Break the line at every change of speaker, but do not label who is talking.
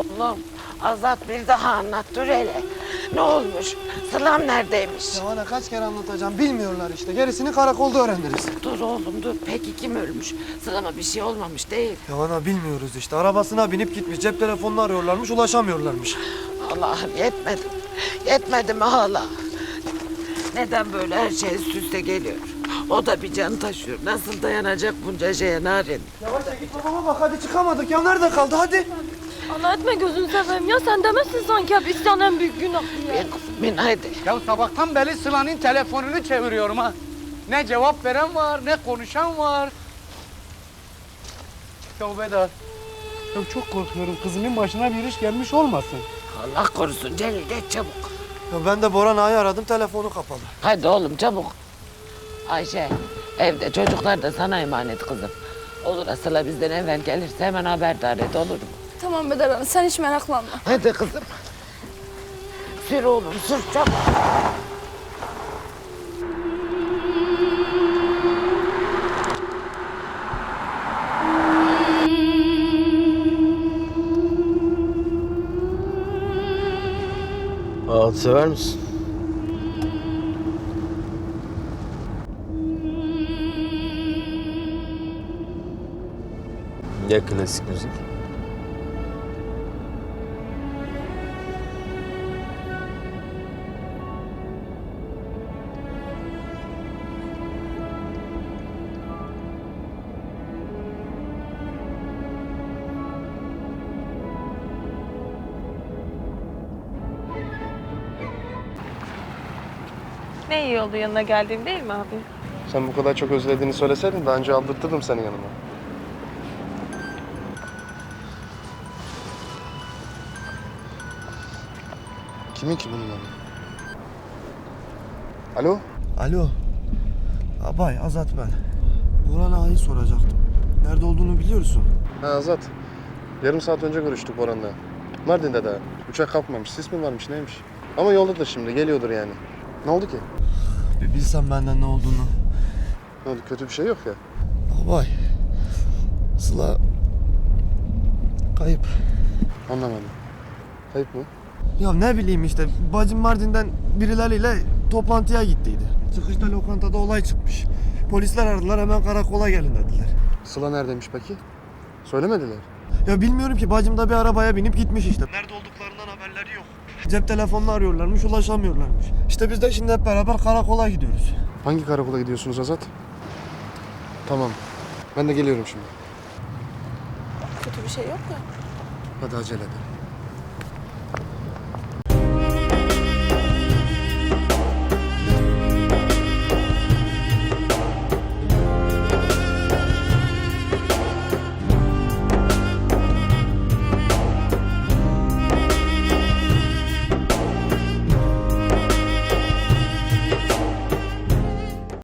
Oğlum Azat bir daha anlat dur hele. Ne olmuş? Sılam neredeymiş?
Ya ana kaç kere anlatacağım bilmiyorlar işte. Gerisini karakolda öğreniriz.
Dur oğlum dur. Peki kim ölmüş? Sılama bir şey olmamış değil.
Ya ana bilmiyoruz işte. Arabasına binip gitmiş. Cep telefonunu arıyorlarmış, ulaşamıyorlarmış.
Allah'ım yetmedi. Yetmedi mi hala? Neden böyle her şey üst üste geliyor? O da bir can taşıyor. Nasıl dayanacak bunca şeye Narin?
Yavaş git babama bak hadi çıkamadık ya. Nerede kaldı hadi.
Allah etme gözünü seveyim ya, sen demezsin sanki hep isyan en büyük günah diye.
Bin haydi.
Ya sabahtan beri Sıla'nın telefonunu çeviriyorum ha. Ne cevap veren var, ne konuşan var. Tövbe de. Ya çok korkuyorum, kızımın başına bir iş gelmiş olmasın.
Allah korusun Celil geç çabuk.
Ya ben de Boran Ağa'yı aradım, telefonu kapalı.
Hadi oğlum çabuk. Ayşe evde çocuklar da sana emanet kızım. Olur Sıla bizden evvel gelirse hemen haberdar et olur mu?
Tamam Bedar Hanım, sen hiç meraklanma.
Hadi kızım. Sür oğlum sür çabuk.
Ağıt sever misin? Ya klasik müzik?
Ne iyi oldu yanına geldiğim değil mi abi?
Sen bu kadar çok özlediğini söyleseydin daha önce aldırtırdım seni yanıma. Kimin ki bunun adı? Alo?
Alo. Abay Azat ben. Boran Ağa'yı soracaktım. Nerede olduğunu biliyorsun.
Ha Azat. Yarım saat önce görüştük Boran'la. Mardin'de daha. Uçak kalkmamış. Sis mi varmış neymiş? Ama yoldadır şimdi. Geliyordur yani. Ne oldu ki?
Bir bilsem benden ne olduğunu.
Ne oldu? Kötü bir şey yok ya.
Abay. Sıla kayıp.
Anlamadım. Kayıp mı?
Ya ne bileyim işte bacım Mardin'den birileriyle toplantıya gittiydi. Çıkışta lokantada olay çıkmış. Polisler aradılar hemen karakola gelin dediler.
Sıla neredeymiş peki? Söylemediler.
Ya bilmiyorum ki bacım da bir arabaya binip gitmiş işte. Nerede olduklarından haberleri yok. Cep telefonunu arıyorlarmış ulaşamıyorlarmış. İşte biz de şimdi hep beraber karakola gidiyoruz.
Hangi karakola gidiyorsunuz Azat? Tamam. Ben de geliyorum şimdi.
Kötü bir şey yok ya.
Hadi acele edelim.